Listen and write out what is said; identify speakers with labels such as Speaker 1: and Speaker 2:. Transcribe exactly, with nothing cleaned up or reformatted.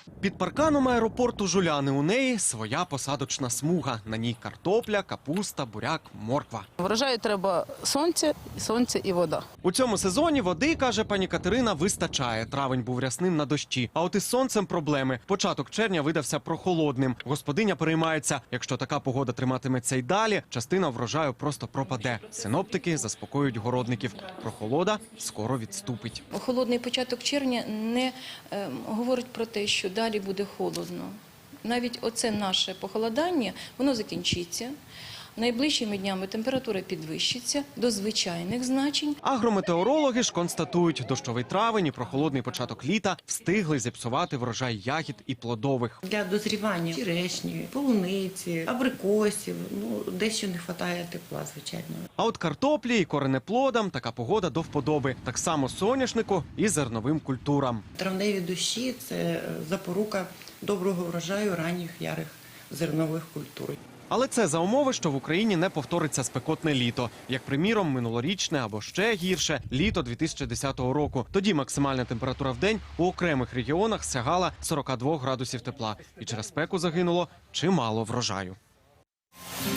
Speaker 1: Під парканом аеропорту Жуляни у неї своя посадочна смуга. На ній картопля, капуста, буряк, морква.
Speaker 2: Врожаю треба сонце, сонце і вода.
Speaker 1: У цьому сезоні води, каже пані Катерина, вистачає. Травень був рясним на дощі. А от із сонцем проблеми. Початок червня видався прохолодним. Господиня переймається, якщо така погода триматиметься й далі, частина врожаю просто пропаде. Синоптики заспокоюють городників. Прохолода скоро відступить.
Speaker 3: Холодний початок червня не е, говорить про те, що далі буде холодно. Навіть оце наше похолодання, воно закінчиться. Найближчими днями температура підвищиться до звичайних значень.
Speaker 1: Агрометеорологи ж констатують, дощовий травень і прохолодний початок літа встигли зіпсувати врожай ягід і плодових.
Speaker 4: Для дозрівання черешні, полуниці, абрикосів, ну, дещо не вистачає тепла, звичайно.
Speaker 1: А от картоплі і коренеплодам така погода до вподоби. Так само соняшнику і зерновим культурам.
Speaker 4: Травневі дощі – це запорука доброго врожаю ранніх ярих зернових культур.
Speaker 1: Але це за умови, що в Україні не повториться спекотне літо. Як, приміром, минулорічне або ще гірше – літо дві тисячі десятого року. Тоді максимальна температура в день у окремих регіонах сягала сорока двох градусів тепла. І через спеку загинуло чимало врожаю.